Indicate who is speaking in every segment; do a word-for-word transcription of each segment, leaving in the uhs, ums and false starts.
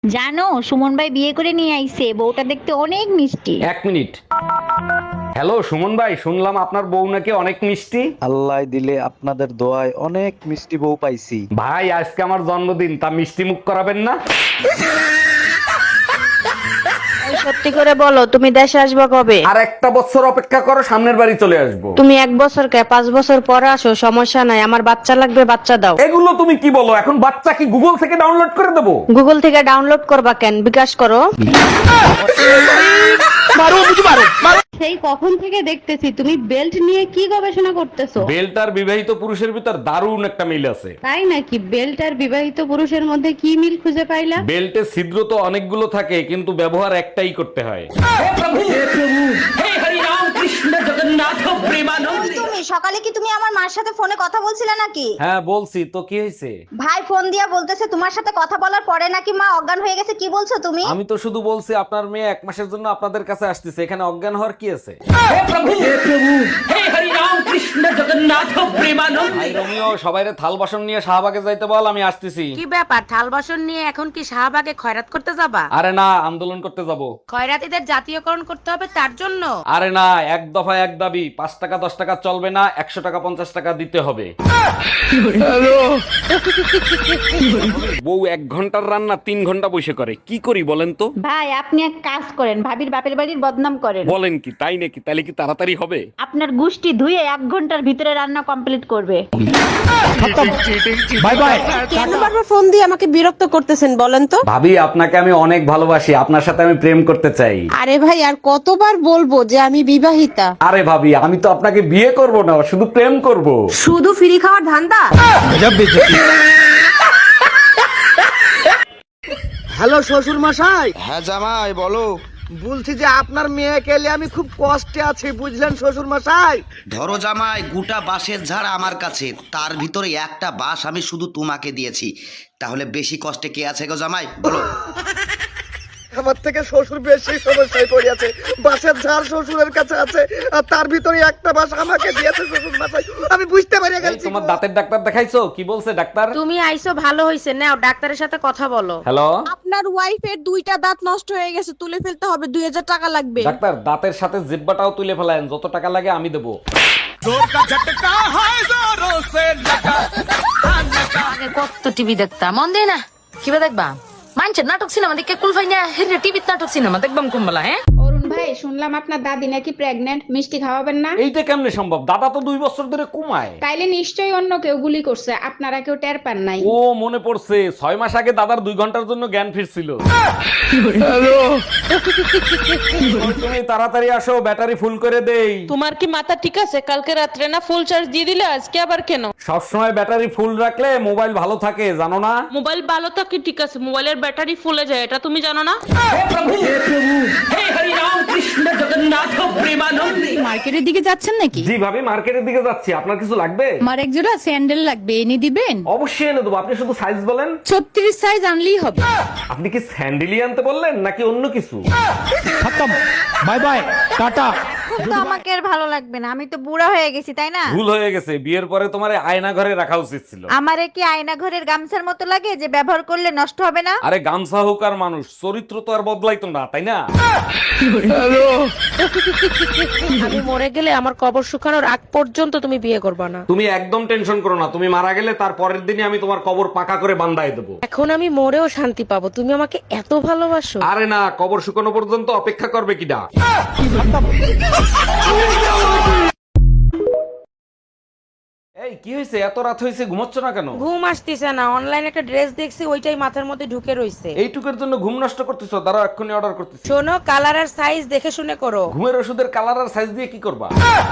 Speaker 1: জানো সুমন ভাই বিয়ে করে নিয়ে আইছে, বউটা দেখতে অনেক মিষ্টি।
Speaker 2: এক মিনিট। হ্যালো সুমন ভাই, শুনলাম আপনার বউ নাকি অনেক মিষ্টি।
Speaker 3: আল্লাহ দিলে আপনাদের দোয়ায় অনেক মিষ্টি বউ পাইছি।
Speaker 2: ভাই আজকে আমার জন্মদিন, তা মিষ্টি মুখ করাবেন না?
Speaker 4: সত্যি করে বলো, তুমি দেশে আসবে কবে?
Speaker 2: আর একটা বছর অপেক্ষা করো, সামনের বাড়ি চলে আসবো।
Speaker 4: তুমি এক বছর কে পাঁচ বছর পরে আসো, সমস্যা নাই। আমার বাচ্চা লাগবে, বাচ্চা দাও।
Speaker 2: এগুলো তুমি কি বলো? এখন বাচ্চা কি গুগল থেকে ডাউনলোড করে দেবো?
Speaker 4: গুগল থেকে ডাউনলোড করবা কেন? বিকাশ করো।
Speaker 5: সেই কখন থেকে দেখতেছি তুমি বেল্ট নিয়ে কি গবেষণা করতেছো।
Speaker 2: বেল্ট আর বিবাহিত পুরুষের ভিতর দারুণ একটা মিল আছে।
Speaker 5: তাই নাকি? বেল্ট আর বিবাহিত পুরুষের মধ্যে কি মিল খুঁজে পাইলা?
Speaker 2: বেল্টে ছিদ্র তো অনেকগুলো থাকে, কিন্তু ব্যবহার একটাই করতে হয়।
Speaker 6: তুমি সকালে কি তুমি আমার মার সাথে ফোনে কথা বলছিলে নাকি?
Speaker 2: হ্যাঁ বলছি তো, কি হয়েছে?
Speaker 6: ভাই ফোন দিয়া বলতেছে তোমার সাথে কথা বলার পরে নাকি মা অজ্ঞান হয়ে গেছে। কি বলছো তুমি?
Speaker 2: আমি তো শুধু বলছি আপনার মেয়ে এক মাসের জন্য আপনাদের কাছে আসতেছে, এখানে অজ্ঞান হওয়ার কি আছে? ভাই রোমিও, সবাইরে থাল বাসন নিয়ে শাহবাগে যাইতে বল, আমি আসতেছি।
Speaker 4: কি ব্যাপার, থাল বাসন নিয়ে এখন কি শাহবাগে খয়রাত করতে যাবা?
Speaker 2: আরে না, আন্দোলন করতে যাব।
Speaker 4: খয়রাতিদের জাতীয়করণ করতে হবে তার জন্য?
Speaker 2: আরে না, এক দফা এক দাবি, পাঁচ টাকা দশ টাকা চলবে না, একশো টাকা পঞ্চাশ টাকা দিতে হবে। বউ এক ঘন্টার রান্না তিন ঘন্টা বসে করে, কি করি বলেন তো?
Speaker 1: ভাই আপনি এক কাজ করেন, ভাবির বাপের বাড়ির বদনাম করেন।
Speaker 2: বলেন কি? তাই নাকি? তাহলে কি তাড়াতাড়ি হবে?
Speaker 1: আপনার গুষ্টি ধুয়ে এক ঘন্টার ভিতরে রান্না কমপ্লিট করবে।
Speaker 2: Bye bye.
Speaker 7: কেন বারবার ফোন দিয়ে আমাকে বিরক্ত করতেছেন বলেন তো?
Speaker 2: ভাবি আপনাকে আমি অনেক ভালোবাসি, আপনার সাথে আমি প্রেম করতে চাই।
Speaker 7: আরে ভাই, আর কতবার বলবো যে আমি বিবাহিতা?
Speaker 2: আরে ভাবি, আমি তো আপনাকে বিয়ে করব না, শুধু প্রেম করব।
Speaker 7: শুধু ফ্রি খাওয়ার ধান্দা?
Speaker 8: হ্যালো শ্বশুর মশাই।
Speaker 9: হ্যাঁ জামাই বলো।
Speaker 8: বলছি যে আপনার মেয়েকে নিয়ে আমি খুব কষ্টে আছি, বুঝলেন শ্বশুর মশাই।
Speaker 9: ধরো জামাই, গোটা বাঁশের ঝাড় আমার কাছে, তার ভিতরে একটা বাঁশ আমি শুধু তোমাকে দিয়েছি, তাহলে বেশি কষ্টে কে আছে গো জামাই বলো?
Speaker 8: আমার থেকে শ্বশুর বেশি সমস্যায় পড়িয়াছে। বাঁশের ঝাড় শ্বশুরের কাছে আছে, আর তার ভিতরে একটা বাঁশ আমাকে দিয়েছে শ্বশুর মশাই। আমি বুঝতে পারি
Speaker 2: এই
Speaker 8: গেছি।
Speaker 2: তোমার দাঁতের ডাক্তার দেখাইছো? কি বলছে ডাক্তার?
Speaker 4: তুমি আইছো ভালো হইছে, নাও ডাক্তারের সাথে কথা বলো।
Speaker 2: হ্যালো
Speaker 7: আপনার ওয়াইফের দুইটা দাঁত নষ্ট হয়ে গেছে, তুলে ফেলতে হবে, দুই হাজার টাকা লাগবে।
Speaker 2: ডাক্তার, দাঁতের সাথে জিব্বাটাও তুলে ফেলায়েন, যত টাকা লাগে আমি দেবো।
Speaker 10: আগে কত টিভি দেখতাম, মন দেয় না কিবা দেখবা মানছে নাটক সিনেমা দেখে কুলফাই না হেরে টিভিতে নাটক সিনেমা দেখবাম কুম্বালা। হ্যাঁ
Speaker 5: অরুণ ভাই, শুনলাম আপনার দাদি নাকি প্রেগনেন্ট, মিষ্টি খাওয়াবেন না?
Speaker 2: এইটা কেমনে সম্ভব? দাদা তো দুই বছর ধরে কমায়।
Speaker 5: তাইলে নিশ্চয়ই অন্য কেউ গুলি করছে, আপনারা কেউ টের পান নাই।
Speaker 2: ও মনে পড়ছে, ছয় মাস আগে দাদার দুই ঘন্টার জন্য জ্ঞান ফিরছিল। তুমি তাড়াতাড়ি আসো, ব্যাটারি ফুল করে দেই।
Speaker 7: তোমার কি মাথা ঠিক আছে? কালকে রাত্রে না ফুল চার্জ দিয়ে দিলে, আজকে আবার কেন?
Speaker 2: সবসময় ব্যাটারি ফুল রাখলে মোবাইল ভালো থাকে, জানো না?
Speaker 7: মোবাইল ভালো থাকে ঠিক আছে, মোবাইলের ব্যাটারি ফুলে যায়, এটা তুমি জানো না?
Speaker 5: মার্কেটের দিকে যাচ্ছেন নাকি?
Speaker 2: জি ভাবি, মার্কেটের দিকে যাচ্ছি। আপনার কিছু লাগবে?
Speaker 5: আমার এক জোড়া স্যান্ডেল লাগবে, এনে দিবেন?
Speaker 2: অবশ্যই এনে দেবো, আপনি শুধু সাইজ বলেন।
Speaker 5: ছত্রিশ সাইজ আনলেই হবে।
Speaker 2: আপনি কি স্যান্ডেলি আনতে বললেন নাকি অন্য কিছু?
Speaker 8: Bye bye, tata.
Speaker 1: তো আমাকে আর ভালো লাগবে না, আমি তো বুড়া হয়ে গেছি, তাই না?
Speaker 2: ভুল হয়ে গেছে, বিয়ের পরে তোমার আয়না ঘরে রাখা উচিত ছিল।
Speaker 1: আমারে কি আয়না ঘরের গামছার মতো লাগে যে ব্যবহার করলে নষ্ট হবে না?
Speaker 2: আরে গামছা হোক আর মানুষ, চরিত্র তো আর বদলাইতো না, তাই না?
Speaker 4: আমি মরে গেলে আমার কবর শুকানোর আগ পর্যন্ত তুমি বিয়ে করবা না।
Speaker 2: তুমি একদম টেনশন করো না, তুমি মারা গেলে তার পরের দিনই আমি তোমার কবর পাকা করে বান্ধাই দেবো।
Speaker 4: এখন আমি মরেও শান্তি পাবো, তুমি আমাকে এত ভালোবাসো।
Speaker 2: আরে না, কবর শুকানো পর্যন্ত অপেক্ষা করবে কিনা? এই কি হয়েছে? এত রাত হয়েছে, ঘুমাচ্ছ না কেন?
Speaker 4: ঘুম আসতেছে না, অনলাইনে একটা ড্রেস দেখছি, ওইটাই মাথার মধ্যে ঢুকে রইছে।
Speaker 2: এইটুকের জন্য ঘুম নষ্ট করতেছো? দাঁড়াও, এক্ষুনি অর্ডার করতেছি।
Speaker 4: শোনো, কালার আর সাইজ দেখে শুনে করো।
Speaker 2: ঘুমের ওষুধের কালার আর সাইজ দিয়ে কি করবা?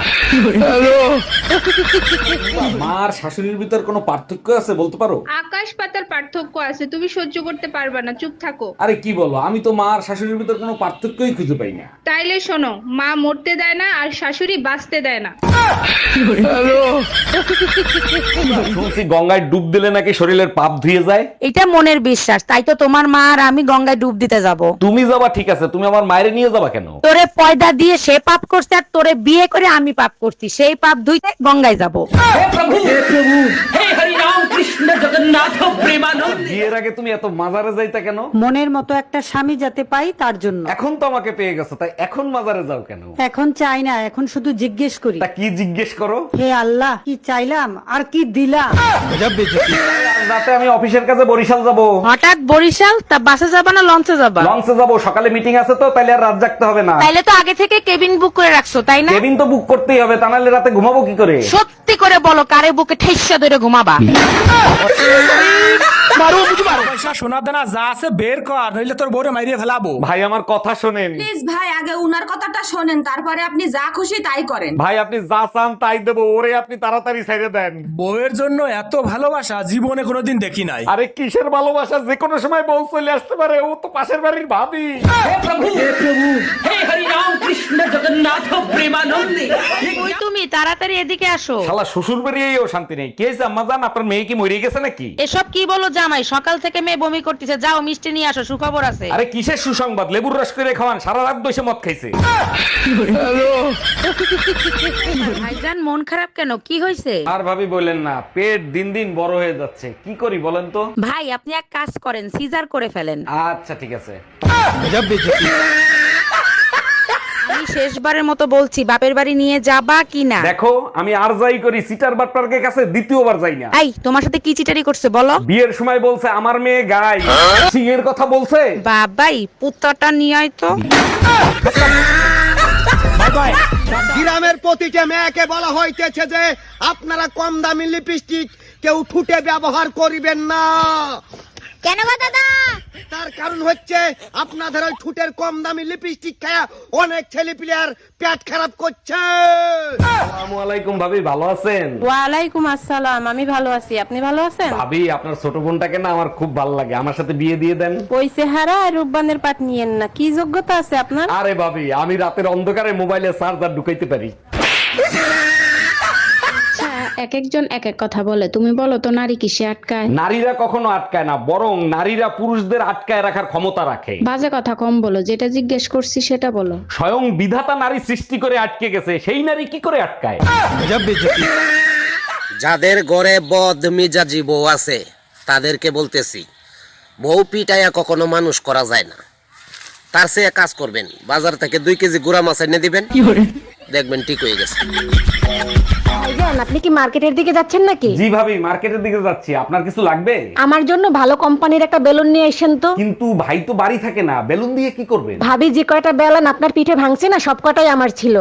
Speaker 2: মার শাশুড়ির ভিতর কোনো পার্থক্য আছে বলতে পারো?
Speaker 5: আকাশ পাতার পার্থক্য আছে, তুমি সহ্য করতে পারবা না, চুপ থাকো।
Speaker 2: আরে কি বলো, আমি তো মার শাশুড়ির ভিতর কোনো পার্থক্যই খুঁজে পাই না।
Speaker 5: তাইলে শোনো, মা মরতে দেয় না আর শাশুড়ি বাঁচতে দেয় না।
Speaker 2: শুনছি গঙ্গায় ডুব দিলে নাকি শরীরের পাপ ধুয়ে যায়।
Speaker 4: এটা মনের বিশ্বাস, তাই তো তোমার মা আর আমি গঙ্গায় ডুব দিতে যাব।
Speaker 2: তুমি যাবা ঠিক আছে, তুমি আমার মায়ের নিয়ে যাবা কেন?
Speaker 4: তোরে পয়দা দিয়ে সে পাপ করছে, আর তোরে বিয়ে করে আমি পাপ করছি, সেই পাপ ধুইতে গঙ্গায় যাব।
Speaker 2: হে প্রভু, হে হরি রাম। বিয়ের আগে তুমি এত মাজারে যাইতা কেন?
Speaker 11: মনের মতো একটা স্বামী যাতে পাই তার জন্য।
Speaker 2: এখন তো আমাকে পেয়ে গেছো, তাই এখন মাজারে যাও কেন?
Speaker 11: এখন চাই না, এখন শুধু জিজ্ঞেস করি,
Speaker 2: তা কি জিজ্ঞেস করো?
Speaker 11: হে আল্লাহ, কি চাইলাম আর কি দিলাম।
Speaker 2: রাতে আমি অফিসের কাছে বরিশাল যাব।
Speaker 4: হঠাৎ বরিশাল? তা বাসে যাবা না লঞ্চে যাবা?
Speaker 2: লঞ্চে যাব, সকালে মিটিং আছে তো, তাইলে আর রাত জাগতে হবে না।
Speaker 4: তাইলে তো আগে থেকে কেবিন বুক করে রাখছো, তাই না?
Speaker 2: কেবিন তো বুক করতেই হবে, তা নাহলে রাতে ঘুমাবো কি করে?
Speaker 4: সত্যি করে বলো, কারে বুকে ঠেসা ধরে ঘুমাবা?
Speaker 8: পয়সা সোনা দানা যা আছে বের কর, নইলে তোর বউরে মাইরিয়ে ফেলাবো।
Speaker 2: ভাই আমার কথা শোনেন।
Speaker 7: প্লিজ ভাই, আগে উনার কথাটা শোনেন, তারপরে আপনি যা খুশি তাই করেন।
Speaker 2: ভাই আপনি যা চান তাই দেবো, ওরে আপনি তাড়াতাড়ি ছেড়ে দেন।
Speaker 8: বউয়ের জন্য এত ভালোবাসা জীবনে কোনোদিন দেখি নাই।
Speaker 2: আরে কিসের ভালোবাসা, যে কোনো সময় বউ চলে আসতে পারে, ও তো পাশের বাড়ির ভাবি।
Speaker 4: ওই তুমি তাড়াতাড়ি এদিকে আসো।
Speaker 2: শালা শ্বশুর বাড়িয়েও শান্তি নেই। কে জাম্মা জান, আপনার মেয়ে কি মরে গেছে নাকি?
Speaker 4: এসব কি বলো জামাই, সকাল থেকে মেয়ে বমি করতেছে, যাও মিষ্টি নিয়ে আসো, সুখবর আছে।
Speaker 2: আরে কিসের সুসংবাদ, লেবুর রস করে খাওয়ান, সারা রাত বসে মদ খাইছে।
Speaker 4: ভাইজান মন খারাপ কেন, কি হয়েছে?
Speaker 2: আর ভাবি বলেন না, পেট দিন দিন বড় হয়ে যাচ্ছে, কি করি বলেন তো?
Speaker 4: ভাই আপনি এক কাজ করেন, সিজার করে ফেলেন।
Speaker 2: আচ্ছা ঠিক আছে।
Speaker 4: আমি শেষবারের মতো বলছি, বাপের বাড়ি নিয়ে যাবা কি না?
Speaker 2: দেখো আমি আর যাই করি, সিটার বাটপার্কের কাছে দ্বিতীয়বার যাই না।
Speaker 4: এই তোমার সাথে কি চিটারি করছে বলো?
Speaker 2: বিয়ের সময় বলছে আমার মেয়ে গাই, সিং এর কথা বলছে।
Speaker 4: বাবাই পুত্রটা নিয়ে আয় তো।
Speaker 8: গ্রামের প্রতিটা মেয়েকে বলা হইতেছে যে আপনারা কম দামি লিপস্টিক কেউ ঠুটে ব্যবহার করিবেন না।
Speaker 6: কেন গো দাদা?
Speaker 8: তার কারণ হচ্ছে আপনাদের ওই ঠুটের কম দামি লিপস্টিক খায়া অনেক ছেলে পিলার পেট খারাপ করছে।
Speaker 2: আসসালামু আলাইকুম ভাবি, ভালো আছেন?
Speaker 4: ওয়ালাইকুম আসসালাম, আমি ভালো আছি, আপনি ভালো আছেন?
Speaker 2: ভাবি আপনার ছোট বোনটাকে না আমার খুব ভালো লাগে, আমার সাথে বিয়ে দিয়ে দেন।
Speaker 4: ওই চেহারা আর রূপবানের পাট নিয়েন না, কি যোগ্যতা আছে আপনার?
Speaker 2: আরে ভাবি, আমি রাতের অন্ধকারে মোবাইলে চার্জার ঢুকাইতে পারি।
Speaker 5: এক একজন এক এক কথা বলে, তুমি বলো তো নারী কিসে আটকায়?
Speaker 2: নারীরা কখনো আটকায় না, বরং নারীরা পুরুষদের আটকায় রাখার ক্ষমতা রাখে।
Speaker 5: বাজে কথা কম বলো, যেটা জিজ্ঞেস করছি সেটা বলো।
Speaker 2: স্বয়ং বিধাতা নারী সৃষ্টি করে আটকে গেছে, সেই নারী কি করে আটকায়?
Speaker 12: যাদের ঘরে বদ মিজাজি বউ আছে তাদেরকে বলতেছি, বউ পিটাইয়া কখনো মানুষ করা যায় না। তার চেয়ে কাজ করবেন, বাজার থেকে দুই কেজি গুড়া মাছ এনে দিবেন, দেখবেন ঠিক হয়ে গেছে।
Speaker 6: আপনি কি মার্কেটের দিকে যাচ্ছেন নাকি?
Speaker 2: জি ভাবি, মার্কেটের দিকে যাচ্ছি, আপনার কিছু লাগবে?
Speaker 6: আমার জন্য ভালো কোম্পানির একটা বেলুন নিয়ে আসেন তো।
Speaker 2: কিন্তু ভাই তো বাড়ি থাকে না, বেলুন দিয়ে কি করবেন?
Speaker 6: ভাবি যে কয়টা বেলুন আপনার পিঠে ভাঙছে না, সব কটাই আমার ছিল।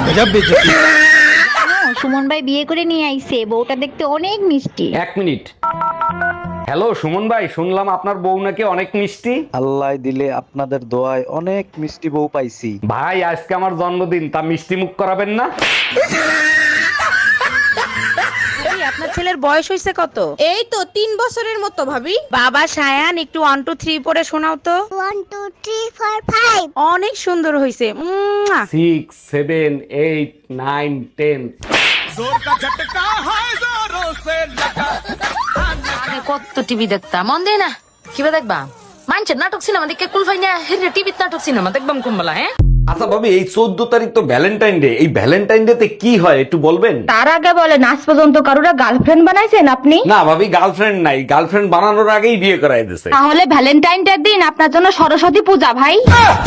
Speaker 1: সুমন ভাই বিয়ে করে নিয়ে আইছে, বউটা দেখতে অনেক মিষ্টি।
Speaker 2: এক মিনিট। হ্যালো সুমন ভাই, শুনলাম আপনার বউ নাকি অনেক মিষ্টি।
Speaker 3: আল্লাহ দিলে আপনাদের দোয়ায় অনেক মিষ্টি বউ পাইছি।
Speaker 2: ভাই আজকে আমার জন্মদিন, তা মিষ্টি মুখ করাবেন না?
Speaker 4: এই আপনার ছেলের বয়স হয়েছে কত?
Speaker 7: এই তো তিন বছরের মতো ভাবি।
Speaker 4: বাবা সায়ান, একটু ওয়ান টু থ্রি পরে শোনাও তো।
Speaker 6: One two three four five.
Speaker 4: অনেক সুন্দর হয়েছে।
Speaker 2: Six seven eight nine ten.
Speaker 10: আগে কত টিভি দেখতাম, মন দেয় না, কিবা দেখবা মানছে নাটক সিনেমা দেখে কুলফাই না হেরে টিভিতে নাটক সিনেমা দেখবাম কুম্বালা। হ্যাঁ
Speaker 2: আচ্ছা ভাবি, এই চোদ্দ তারিখ তো ভ্যালেন্টাইন ডে, এই ভ্যালেন্টাইন ডে তে কি হয় একটু বলবেন?
Speaker 6: তার আগে বলে নাচ পর্যন্ত কারুরা গার্লফ্রেন্ড বানাইছেন আপনি?
Speaker 2: না ভাবি, গার্লফ্রেন্ড নাই, গার্লফ্রেন্ড বানানোর আগেই বিয়ে করাই দিছে।
Speaker 6: তাহলে ভ্যালেন্টাইন ডে দিন আপনার জন্য সরস্বতী পূজা ভাই।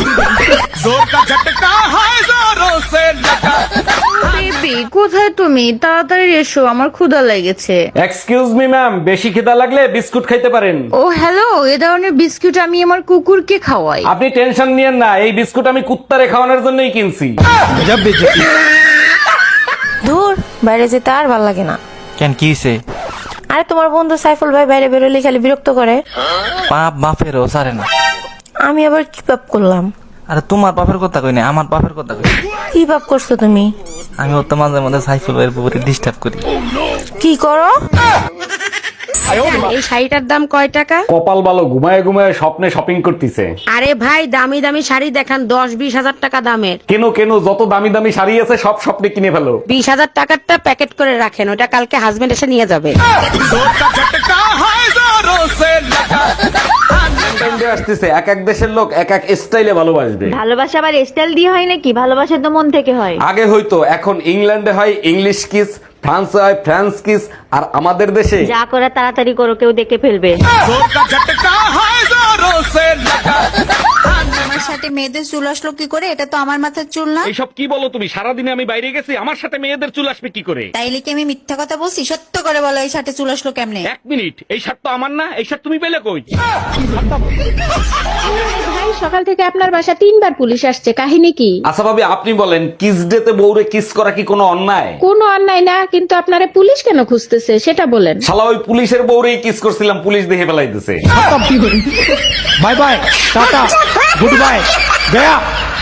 Speaker 4: বেবি কোথায় তুমি? তাড়াতাড়ি এসো, আমার ক্ষুধা লেগেছে।
Speaker 2: এক্সকিউজ মি ম্যাম, বেশি খিদা লাগলে বিস্কুট খাইতে পারেন।
Speaker 4: ও হ্যালো, এ ধরনের বিস্কুট আমি আমার কুকুরকে খাওয়াই।
Speaker 2: আপনি টেনশন নিয়েন না, এই বিস্কুট আমি কুত্তারে খাওয়ানোর জন্যই কিনছি।
Speaker 13: দূর, বাইরে যেতে আর ভাল লাগে না।
Speaker 12: কেন কি হইছে?
Speaker 13: আরে তোমার বন্ধু সাইফুল ভাই বাইরে বেরোলে খালি বিরক্ত করে।
Speaker 12: পাপ বাপেরও সারে না।
Speaker 13: আমি আবার কি পাপ করলাম?
Speaker 12: আরে তোমার বাপের কথা কই না, আমার বাপের কথা কই।
Speaker 13: কি পাপ করছো তুমি?
Speaker 12: আমি ওর তো মাঝে মাঝে সাইফুল ভাইয়ের উপরে ডিস্টার্ব করি।
Speaker 13: কি করো?
Speaker 4: এই শাড়িটার দাম কয় টাকা?
Speaker 2: কপাল ভালো, ঘুমায় ঘুমায় স্বপ্নে শপিং করতেছে।
Speaker 4: আরে ভাই, দামি দামি শাড়ি দেখান, দশ বিশ হাজার টাকা দামের।
Speaker 2: কেন কেন, যত দামি দামি শাড়ি আছে সব স্বপ্নে কিনে ফেলো।
Speaker 4: বিশ হাজার টাকারটা প্যাকেট করে রাখেন, ওটা কালকে হাজবেন্ড এসে নিয়ে যাবে।
Speaker 2: আসতেছে, এক এক দেশের লোক এক এক স্টাইলে ভালোবাসবে।
Speaker 1: ভালোবাসা আবার স্টাইল দিয়ে হয় নাকি? ভালোবাসা তো মন থেকে হয়।
Speaker 2: আগে হয়তো, এখন ইংল্যান্ডে হয় ইংলিশ কিস, ফ্রান্সে হয় ফ্রান্স কিস, আর আমাদের দেশে
Speaker 1: যা করে তাড়াতাড়ি করো, কেউ দেখে ফেলবে।
Speaker 7: আমার সাথে মেয়েদের চুল আসলো কি করে? এটা তো আমার মাথার চুল না।
Speaker 2: এইসব কি বলো তুমি? সারাদিনে আমি বাইরে গেছি, আমার সাথে মেয়েদের চুল আসবে কি করে?
Speaker 7: তাইলে কি আমি মিথ্যা কথা বলছি? সত্য করে বলো, এই সাথে চুল আসলো কেমনে?
Speaker 2: এক মিনিট, এই শার্ট তো আমার না, এই শার্ট তুমি পেলে কই?
Speaker 4: ভাই সকাল থেকে আপনার বাসা তিনবার পুলিশ আসছে, কাহিনী কি?
Speaker 2: আচ্ছা ভাবি, আপনি বলেন, কিস ডেতে বউরে কিস করা কি কোনো অন্যায়?
Speaker 4: কোনো অন্যায় না, কিন্তু আপনারে পুলিশ কেন খুঁজতেছে সেটা বলেন।
Speaker 2: শালা ওই পুলিশের বউরেই কিস করছিলাম, পুলিশ দেখে ফেলাইতেছে।
Speaker 8: Bye bye, tata, good bye, Gaya.